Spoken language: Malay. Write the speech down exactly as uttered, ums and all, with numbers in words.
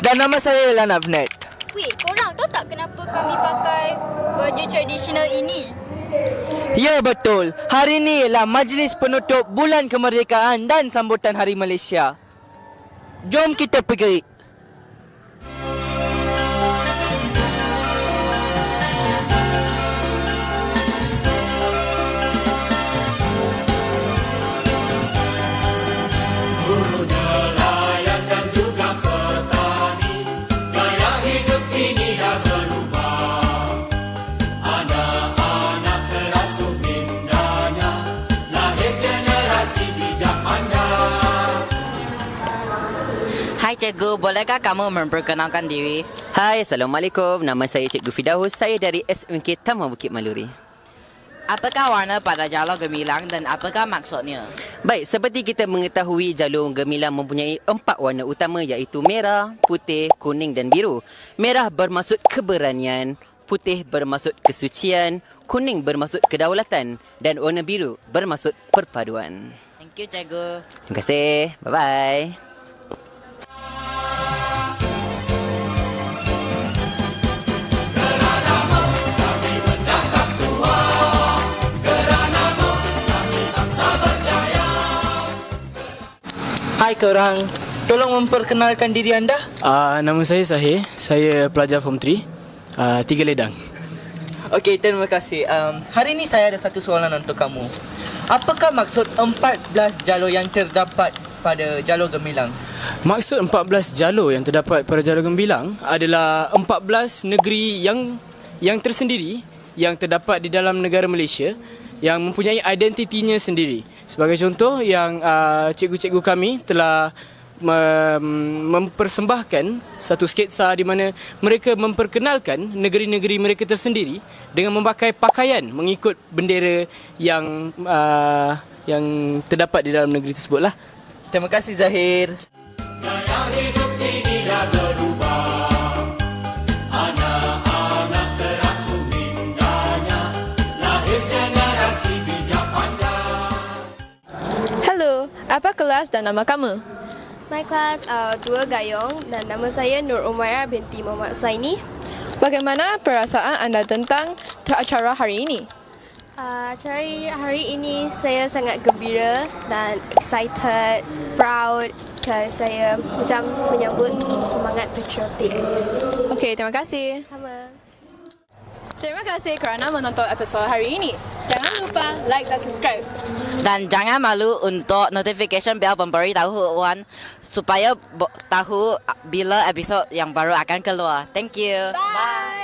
Dan nama saya ialah Navnet. Weh, korang tahu tak kenapa kami pakai baju tradisional ini? Ya betul, hari ini ialah majlis penutup Bulan Kemerdekaan dan sambutan Hari Malaysia. Jom kita pergi. Hai cikgu, bolehkah kamu memperkenalkan diri? Hai, Assalamualaikum. Nama saya Cikgu Fidaus. Saya dari S M K Taman Bukit Maluri. Apakah warna pada jalur gemilang dan apakah maksudnya? Baik, seperti kita mengetahui, jalur gemilang mempunyai empat warna utama iaitu merah, putih, kuning dan biru. Merah bermaksud keberanian, putih bermaksud kesucian, kuning bermaksud kedaulatan dan warna biru bermaksud perpaduan. Thank you cikgu. Terima kasih. Bye-bye. Hai korang, tolong memperkenalkan diri anda. Uh, nama saya Sahir. Saya pelajar Form tiga, uh, Tiga Ledang. Okey, terima kasih. Um, hari ini saya ada satu soalan untuk kamu. Apakah maksud empat belas jalur yang terdapat pada jalur gemilang? Maksud empat belas jalur yang terdapat pada jalur gemilang adalah empat belas negeri yang yang tersendiri yang terdapat di dalam negara Malaysia yang mempunyai identitinya sendiri. Sebagai contoh, yang uh, cikgu-cikgu kami telah mem- mempersembahkan satu sketsa di mana mereka memperkenalkan negeri-negeri mereka tersendiri dengan memakai pakaian mengikut bendera yang uh, yang terdapat di dalam negeri tersebutlah. Terima kasih Zahir. Gaya hidup ini dah berubah. Anak-anak terasuh indahnya. Lahir generasi bijak pandai. Hello, apa kelas dan nama kamu? My class uh, dua Gayong dan nama saya Nur Umairah binti Muhammad Husaini. Bagaimana perasaan anda tentang acara hari ini? Uh, acara hari ini saya sangat gembira dan excited, proud kerana saya macam menyambut semangat patriotik. Okey, terima kasih. Sama. Terima kasih kerana menonton episod hari ini. Jangan lupa like dan subscribe. Dan jangan malu untuk notification bell pemberitahuan supaya bo- tahu bila episod yang baru akan keluar. Thank you. Bye.